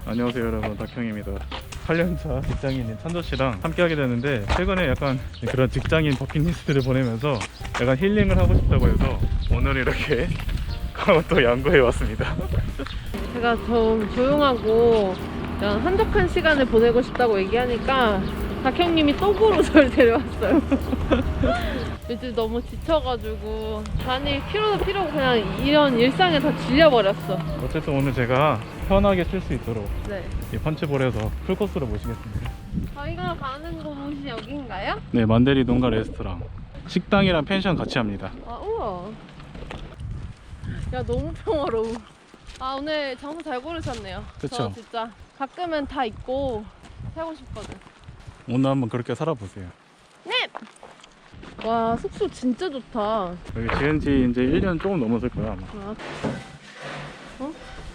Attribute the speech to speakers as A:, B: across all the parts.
A: 안녕하세요 여러분, 닥형입니다. 8년차 직장인인 찬조씨랑 함께 하게 됐는데, 최근에 약간 그런 직장인 버킷리스트를 보내면서 약간 힐링을 하고 싶다고 해서 오늘 이렇게 강원도 양구에 왔습니다.
B: 제가 좀 조용하고 그냥 한적한 시간을 보내고 싶다고 얘기하니까 닥형님이 또 보러 저를 데려왔어요. 요즘 너무 지쳐가지고 다닐 필요도 필요고 그냥 이런 일상에 다 질려버렸어.
A: 어쨌든 오늘 제가 편하게 쉴 수 있도록
B: 네.
A: 이 펀치볼에서 풀코스로 모시겠습니다.
B: 저희가 가는 곳이 여기인가요?
A: 네, 만데리 농가 레스토랑. 식당이랑 펜션 같이 합니다.
B: 아, 우와. 야, 너무 평화로워. 아, 오늘 장소 잘 고르셨네요.
A: 그쵸?
B: 저 진짜 가끔은 다 잊고 살고 싶거든.
A: 오늘 한번 그렇게 살아보세요.
B: 네! 와, 숙소 진짜 좋다.
A: 여기 지은 지 이제 1년 조금 넘었을 거야 아마.
B: 아. 어?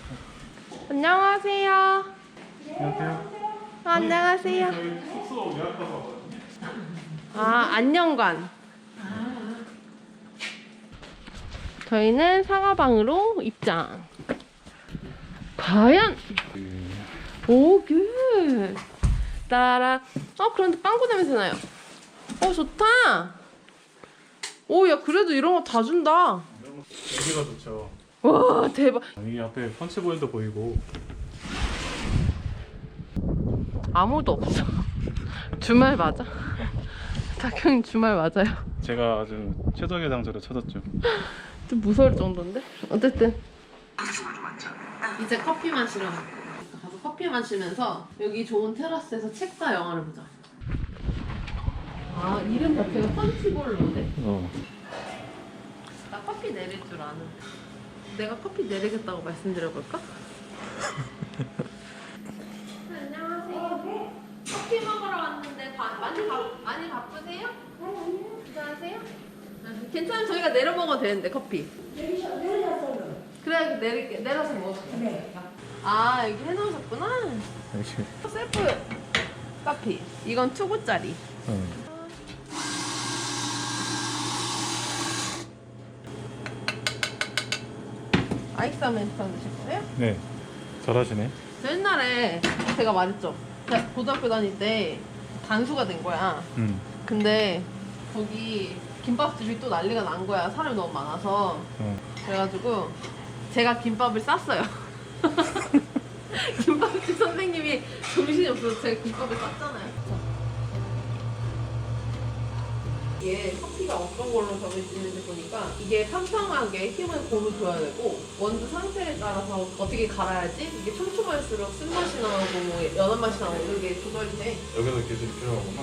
B: 안녕하세요.
A: 안녕하세요.
B: 안녕하세요.
A: 저희 숙소 예약하고 왔거든요.
B: 아, 안녕관. 저희는 사과방으로 입장. 과연! 오, 굿! 따라. 그런데 빵꾸 냄새 나요. 좋다! 오, 야, 그래도 이런 거 다 준다.
A: 여기가 좋죠.
B: 와, 대박.
A: 여기 앞에 펀치볼도 보이고.
B: 아무도 없어. 주말 맞아? 닥형이 주말 맞아요.
A: 제가 아주 최적의 장소를 찾았죠.
B: 좀 무서울 정도인데? 어쨌든 이제 커피 마시러 가서 커피 마시면서 여기 좋은 테라스에서 책과 영화를 보자. 아, 이름 자체가 펀치볼로네. 나 커피 내릴 줄 아는. 내가 커피 내리겠다고 말씀드려볼까? 안녕하세요. 커피 먹으러 왔는데 많이 바쁘세요? 괜찮으세요? 괜찮으면 저희가 내려 먹어도 되는데 커피.
C: 내리셨어요.
B: 그래, 내려서 먹어도
C: 네.
B: 아, 여기 해놓으셨구나.
A: 역시.
B: 셀프 커피. 이건 2구짜리. 아이스 아메리카노 드실 거예요?
A: 네, 잘하시네.
B: 저 옛날에 제가 말했죠. 제가 고등학교 다닐 때 단수가 된 거야. 근데 거기 김밥집이 또 난리가 난 거야. 사람이 너무 많아서. 그래가지고 제가 김밥을 쌌어요. 김밥집 선생님이 정신이 없어서 제가 김밥을 쌌잖아요. 이게 커피가 어떤 걸로 정해지는지 보니까 이게 팡팡하게 힘을 고루 줘야 되고 원두 상태에 따라서 어떻게 갈아야지 이게 촘촘할수록 쓴맛이 나고 뭐 연한 맛이 나고 이게 조절이 돼.
A: 여기서 기술이 필요하구나.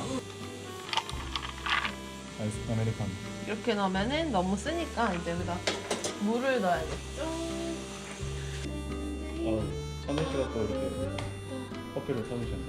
A: 아이스 아메리카노.
B: 이렇게 넣으면은 너무 쓰니까 이제 여기다 물을 넣어야겠죠.
A: 찬우 씨가 또 이렇게 커피를 사주셨네.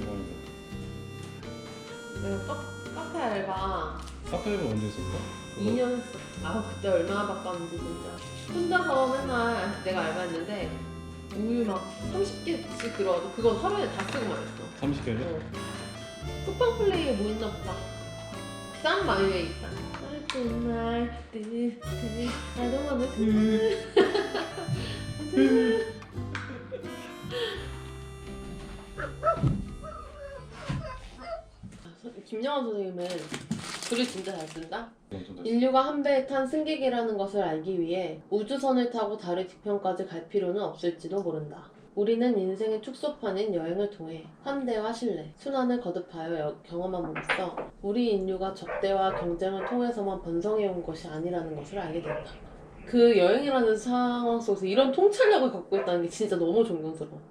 A: 영광이다.
B: 내가 카페 알바
A: 카페를 언제 했었어?
B: 2년 했어. 그때 얼마나 바빴는지 진짜. 혼자서 맨날 내가 알바했는데 우유 막 30개씩 들어와도 그건 하루에 다 쓰고 말했어.
A: 30개를?
B: 쿠팡 플레이에 뭐 있나 보다. 싼 마이웨이다. 정말 I don't wanna 김영환 선생님은 글을 진짜 잘 쓴다? 인류가 한 배에 탄 승객이라는 것을 알기 위해 우주선을 타고 달의 뒤편까지 갈 필요는 없을지도 모른다. 우리는 인생의 축소판인 여행을 통해 환대와 신뢰, 순환을 거듭하여 경험함으로써 우리 인류가 적대와 경쟁을 통해서만 번성해온 것이 아니라는 것을 알게 된다. 그 여행이라는 상황 속에서 이런 통찰력을 갖고 있다는 게 진짜 너무 존경스러워.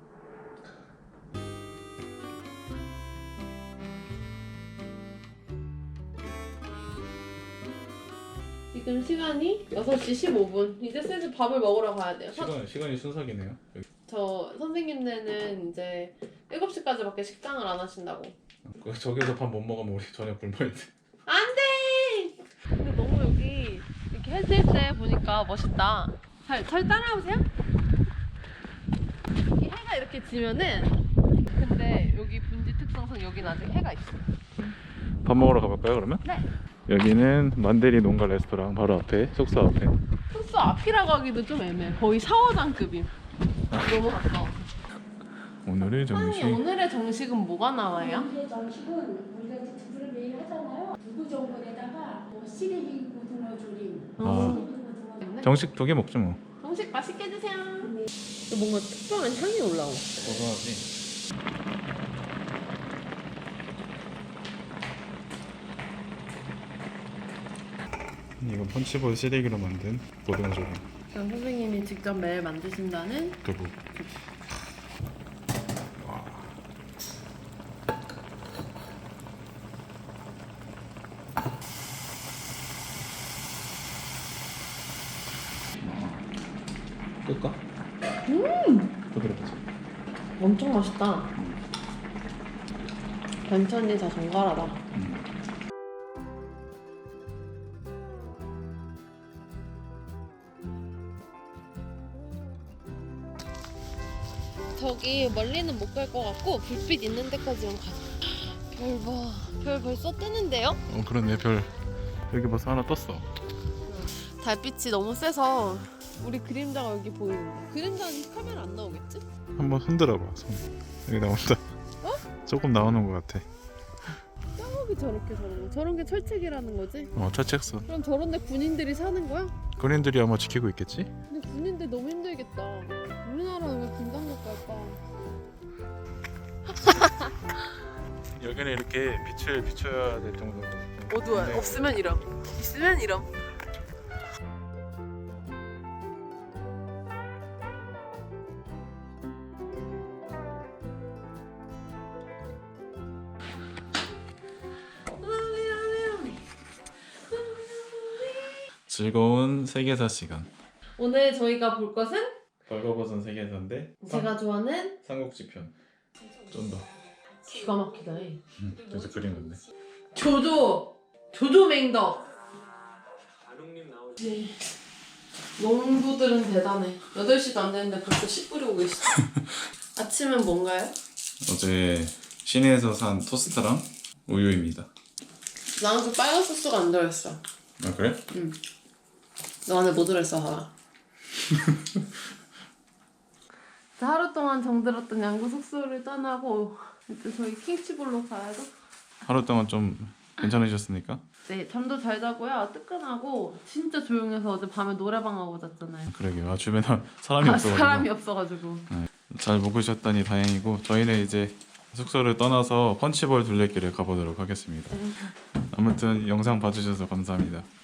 B: 지금 시간이 6시 15분. 이제 슬슬 밥을 먹으러 가야 돼요.
A: 시간이 순삭이네요. 여기.
B: 저 선생님네는 이제 7시까지밖에 식당을 안 하신다고.
A: 저기서 밥 못 먹으면 우리 저녁 굶어야 돼.
B: 안 돼! 근데 너무 여기 이렇게 해질 때 보니까 멋있다. 잘 따라오세요? 이 해가 이렇게 지면은 근데 여기 분지 특성상 여긴 아직 해가 있어.
A: 밥 먹으러 가볼까요 그러면?
B: 네.
A: 여기는 만데리 농가 레스토랑 바로 앞에, 숙소 앞에.
B: 숙소 앞이라고 하기도 좀 애매해. 거의 샤워장급임. 너무 가까워.
A: 오늘의 정식.
B: 사장님 오늘의 정식은 뭐가 나와요?
C: 오늘의 정식은 우리가 이제 두부를 매일 하잖아요. 두부 전골에다가 뭐 시래기 고등어 조림.
A: 아.
C: 시래기 고등어
A: 정식 2개 먹죠 뭐.
B: 정식 맛있게 드세요. 뭔가 특별한 향이 올라오.
A: 고소하지. 이건 펀치볼 시래기로 만든 고등어 조림.
B: 그럼 선생님이 직접 매일 만드신다는
A: 두부. 끌까? 부드럽지.
B: 엄청 맛있다. 반찬이 다 정갈하다. 저기 멀리는 못 갈 것 같고 불빛 있는 데까지만 가자. 별 봐. 별 벌써 뜨는데요?
A: 그러네. 별 여기 벌써 하나 떴어.
B: 달빛이 너무 세서 우리 그림자가 여기 보이는데. 그림자는 카메라 안 나오겠지?
A: 한번 흔들어봐. 손. 여기 나온다. 조금 나오는 것 같아.
B: 저기 저렇게 저런 거. 저런 게 철책이라는 거지?
A: 철책선.
B: 그럼 저런 데 군인들이 사는 거야?
A: 군인들이 아마 지키고 있겠지?
B: 근데 군인들 너무 힘들겠다. 우리나라는 왜 군장국 갈까?
A: 여기는 이렇게 빛을 비춰야 될 정도로
B: 어두워요.
A: 네.
B: 없으면 이럼. 있으면 이럼.
A: 즐거운 세계사 시간.
B: 오늘 저희가 볼 것은
A: 벌거벗은 세계사인데
B: 제가 좋아하는
A: 삼국지편. 좀 더.
B: 기가 막히다.
A: 그래서 그린 건데.
B: 조조 맹덕. 네. 농부들은 대단해. 8시도 안 됐는데 벌써 씨 뿌리고 계시죠. 아침은 뭔가요?
A: 어제 시내에서 산 토스트랑 우유입니다.
B: 나는 그 빨간 소스가 안 들어있어.
A: 아 그래?
B: 응. 너 안에 뭐 들어있어 봐라. 하루 동안 정들었던 양구 숙소를 떠나고 이제 저희 킹치볼로 가야죠.
A: 하루 동안 좀 괜찮으셨습니까?
B: 네, 잠도 잘 자고요. 뜨끈하고 진짜 조용해서 어제 밤에 노래방 가고 잤잖아요.
A: 그러게요. 주변에 사람이 없어가지고
B: 사람이 없어가지고.
A: 잘 묵으셨다니 다행이고 저희는 이제 숙소를 떠나서 펀치볼 둘레길에 가보도록 하겠습니다. 아무튼 영상 봐주셔서 감사합니다.